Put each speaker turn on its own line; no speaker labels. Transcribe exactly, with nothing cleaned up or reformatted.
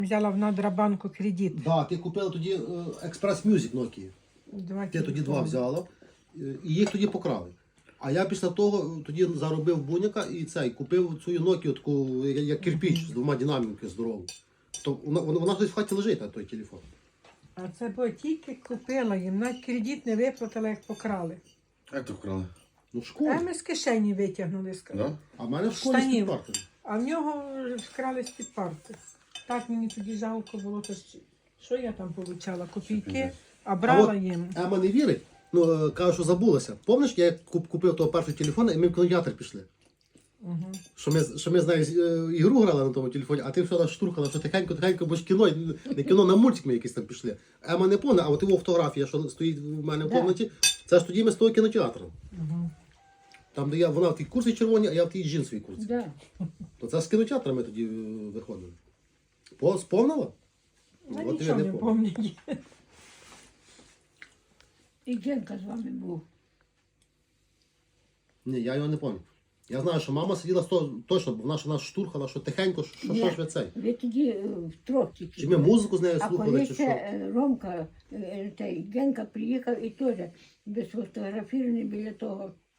Взяла в Надрабанку кредит.
Так, да, ти купила тоді Express Music Nokia.
Два
Ти тоді
телефони.
два взяла, е, і їх тоді покрали. А я після того тоді заробив буняка і цей, купив цю Nokia, таку, як, як кирпіч, з двома динаміками здорову. То вона, вона, вона десь в хаті лежить, на той телефон.
А це бо тільки купила їм, навіть кредит не виплатила, як покрали.
Як то вкрали?
Ну, в школі.
А ми з кишені витягнули. з-
Да?
А в мене в школі
Штанів.
з парти.
А в нього вкрали з-під парти. Так мені тоді жалко було, то що- що я там получала? Копійки, а брала
А от
їм.
Ема не вірить, ну, е, каже, що забулася. Пам'ятаєш, я куп- купив того першого телефона, і ми в кінотеатр пішли.
Угу.
Що ми, що ми з нею е, ігру грали на тому телефоні, а ти все штурхала, що тихенько-тихенько, бо ж кіно, не кіно, на мультик ми якісь там пішли. Ема не повне, а от його фотографія, що стоїть в мене в
Да.
кімнаті, це ж тоді ми з того кінотеатру.
Угу.
Там, де я, вона в тій курсі червоній, а я в тій джинсовій курсі.
Да.
То це з кінотеатру ми тоді е, виходили. По, сповнила?
Ну,
От
нічого
я
не
помню.
пам'ятаю.
І Генка з вами був.
Ні, я його не пам'ятаю. Я знаю, що мама сиділа сто- точно, бо вона ж нас штурхала, що тихенько, що, що
Ні.
ж ви цей.
Ви тоді е, втрьох тільки
Чи ми
були.
музику з нею
А
слухали,
коли
чи
це
що?
е, Ромка, е, та й Генка приїхав і теж без фотографірований біля того